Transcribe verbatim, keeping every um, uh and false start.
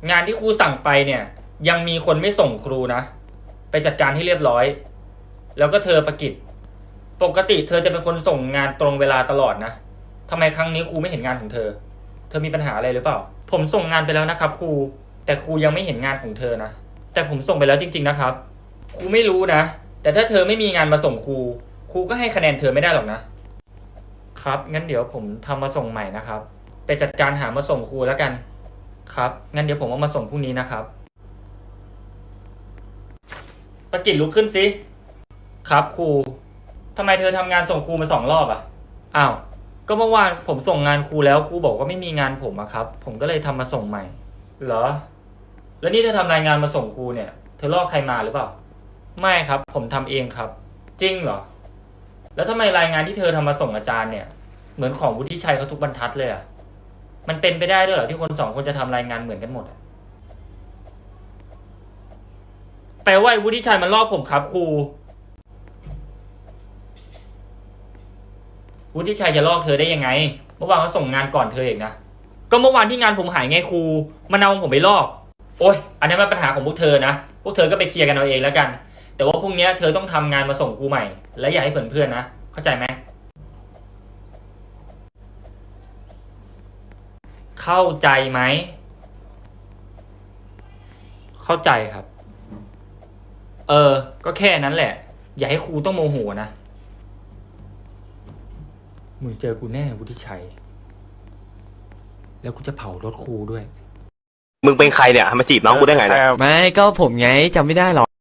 งานที่ครูสั่งไปเนี่ยยังมีคนไม่ส่งครูนะไปจัดการให้เรียบร้อยแล้วก็เธอประกิตปกติเธอจะเป็นคนส่งงานตรงเวลาตลอดนะทำไมครั้งนี้ครูไม่เห็นงานของเธอเธอมีปัญหาอะไรหรือเปล่าผมส่งงานไปแล้วนะครับครูแต่ครูยังไม่เห็นงานของเธอนะแต่ผมส่งไปแล้วจริงๆนะครับครูไม่รู้นะแต่ถ้าเธอไม่มีงานมาส่งครูครูก็ให้คะแนนเธอไม่ได้หรอกนะครับงั้นเดี๋ยวผมทำมาส่งใหม่นะครับไปจัดการหามาส่งครูแล้วกันครับงั้นเดี๋ยวผมเอามาส่งพรุ่งนี้นะครับประกิตลุกขึ้นสิครับครูทำไมเธอทำงานส่งครูมาสองรอบอ่ะอ้าวก็เมื่อวานผมส่งงานครูแล้วครูบอกว่าไม่มีงานผมอะครับผมก็เลยทำมาส่งใหม่เหรอแล้วนี่เธอทำรายงานมาส่งครูเนี่ยเธอลอกใครมาหรือเปล่าไม่ครับผมทำเองครับจริงเหรอแล้วทำไมรายงานที่เธอทำมาส่งอาจารย์เนี่ยเหมือนของวุฒิชัยเขาทุกบรรทัดเลยอะมันเป็นไปได้ด้วยเหรอที่คนสองคนจะทำรายงานเหมือนกันหมดแปลว่าวุฒิชัยมันลอกผมครับครูวุฒิชัยจะลอกเธอได้ยังไงเมื่อวานเขาส่งงานก่อนเธอเองนะก็เมื่อวานที่งานผมหายไงครูมันเอาผมไปลอกโอ๊ยอันนี้มันปัญหาของพวกเธอนะพวกเธอก็ไปเคลียร์กันเอาเองแล้วกันแต่ว่าพรุ่งนี้เธอต้องทำงานมาส่งครูใหม่และอย่าให้เพื่อนๆนะเข้าใจไหมเข้าใจไหมเข้าใจครับเออก็แค่นั้นแหละอย่าให้ครูต้องโมโหนะมึงเจอกูแน่วุฒิชัยแล้วกูจะเผารถครูด้วยมึงเป็นใครเนี่ยมาจีบน้องกูได้ไงเนี่ยไม่ก็ผมไงจำไม่ได้หรอ